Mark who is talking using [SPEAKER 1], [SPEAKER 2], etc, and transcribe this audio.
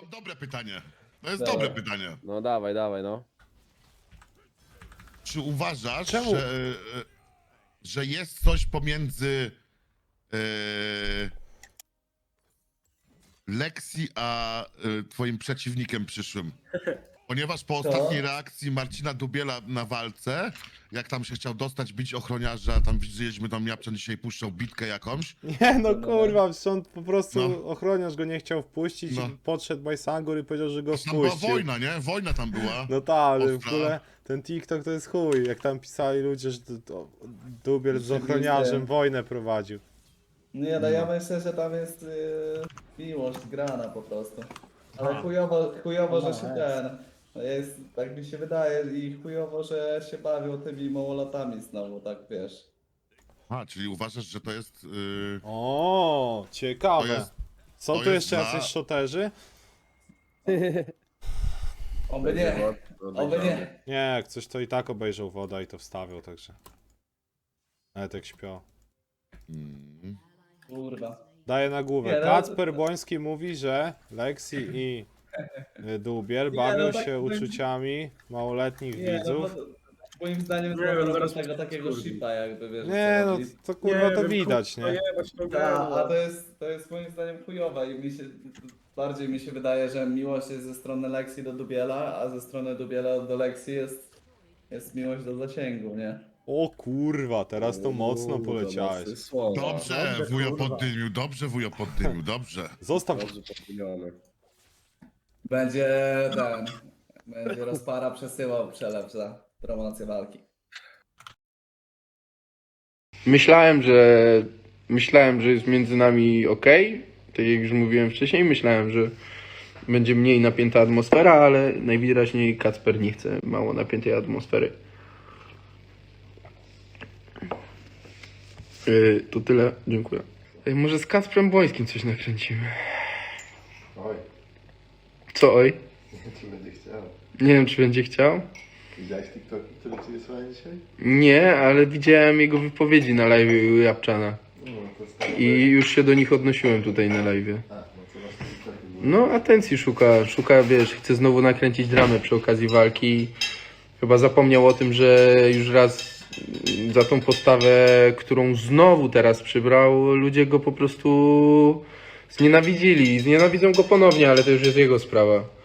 [SPEAKER 1] mam dobre pytanie. To jest
[SPEAKER 2] Dawaj.
[SPEAKER 1] dobre pytanie.
[SPEAKER 3] No dawaj, dawaj, no.
[SPEAKER 1] Czy uważasz,
[SPEAKER 3] Czemu?
[SPEAKER 1] że jest coś pomiędzy Lexi a twoim przeciwnikiem przyszłym? Ponieważ po ostatniej reakcji Marcina Dubiela na walce, jak tam się chciał dostać, bić ochroniarza, tam widzieliśmy, tam Japczan dzisiaj puszczał bitkę jakąś.
[SPEAKER 4] Nie no kurwa, przecież on po prostu
[SPEAKER 1] No.
[SPEAKER 4] ochroniarz go nie chciał wpuścić,
[SPEAKER 1] No.
[SPEAKER 4] podszedł Bajsangur i powiedział, że go
[SPEAKER 1] Tam była
[SPEAKER 4] wpuścił.
[SPEAKER 1] wojna, nie? Wojna tam była.
[SPEAKER 4] No tak, ale w
[SPEAKER 1] Ostra.
[SPEAKER 4] ogóle ten TikTok to jest chuj, jak tam pisali ludzie, że Dubiel z ochroniarzem wojnę prowadził.
[SPEAKER 2] Nie, no ja myślę, że tam jest miłość grana po prostu. Ale chujowo, że się ten. No jest, tak mi się wydaje i chujowo, że się bawią tymi małolatami znowu, tak wiesz.
[SPEAKER 1] A, czyli uważasz, że to jest...
[SPEAKER 4] O,
[SPEAKER 1] to
[SPEAKER 4] ciekawe.
[SPEAKER 1] jest
[SPEAKER 4] Są
[SPEAKER 1] to
[SPEAKER 4] tu
[SPEAKER 1] jest
[SPEAKER 4] jeszcze
[SPEAKER 1] dla-
[SPEAKER 4] jacyś szoterzy?
[SPEAKER 2] Oby nie, oby nie.
[SPEAKER 4] Nie, jak coś to i tak obejrzał woda i to wstawiał, także. Nawet jak śpią.
[SPEAKER 1] Mm,
[SPEAKER 2] Kurwa.
[SPEAKER 4] Daję na głowę.
[SPEAKER 2] Nie, no,
[SPEAKER 4] Kacper Boński mówi, że Lexi i Dubiel bawią
[SPEAKER 2] no tak-
[SPEAKER 4] się uczuciami małoletnich
[SPEAKER 2] Nie, no
[SPEAKER 4] widzów.
[SPEAKER 2] bo moim zdaniem
[SPEAKER 5] Nie, no
[SPEAKER 2] to
[SPEAKER 5] zaraz
[SPEAKER 2] tego takiego
[SPEAKER 5] skurwi.
[SPEAKER 2] shipa jakby, wiesz.
[SPEAKER 4] Nie
[SPEAKER 2] co
[SPEAKER 4] no,
[SPEAKER 2] chodzi.
[SPEAKER 4] to kurwa to
[SPEAKER 5] wiem,
[SPEAKER 4] widać,
[SPEAKER 5] kurwa,
[SPEAKER 4] nie?
[SPEAKER 5] jebać to
[SPEAKER 2] A to jest moim zdaniem chujowe i bardziej mi się wydaje, że miłość jest ze strony Lexi do Dubiela, a ze strony Dubiela do Lexi jest miłość do zasięgu, nie?
[SPEAKER 4] O kurwa, teraz to mocno poleciałeś.
[SPEAKER 1] Dobrze, wujo poddymił, dobrze, wujo poddymił, dobrze.
[SPEAKER 4] Zostaw.
[SPEAKER 2] Będzie będzie rozpara przesyłał przelew za promocję walki.
[SPEAKER 6] Myślałem, że jest między nami ok. Tak jak już mówiłem wcześniej, myślałem, że będzie mniej napięta atmosfera, ale najwyraźniej Kacper nie chce mało napiętej atmosfery. To tyle, dziękuję. Może z Kacprem Bońskim coś nakręcimy.
[SPEAKER 7] Oj,
[SPEAKER 6] Co oj?
[SPEAKER 7] czy będzie chciał?
[SPEAKER 6] Nie wiem, czy będzie chciał.
[SPEAKER 7] Widziałeś TikToki, które ci wysłałem dzisiaj?
[SPEAKER 6] Nie, ale widziałem jego wypowiedzi na live u Japczana.
[SPEAKER 7] No, to stary.
[SPEAKER 6] I już się do nich odnosiłem tutaj na live.
[SPEAKER 7] A, no to właśnie TikToki były.
[SPEAKER 6] No, atencji szuka, wiesz, chce znowu nakręcić dramę przy okazji walki. Chyba zapomniał o tym, że już raz za tą postawę, którą znowu teraz przybrał, ludzie go po prostu znienawidzili. Znienawidzą go ponownie, ale to już jest jego sprawa.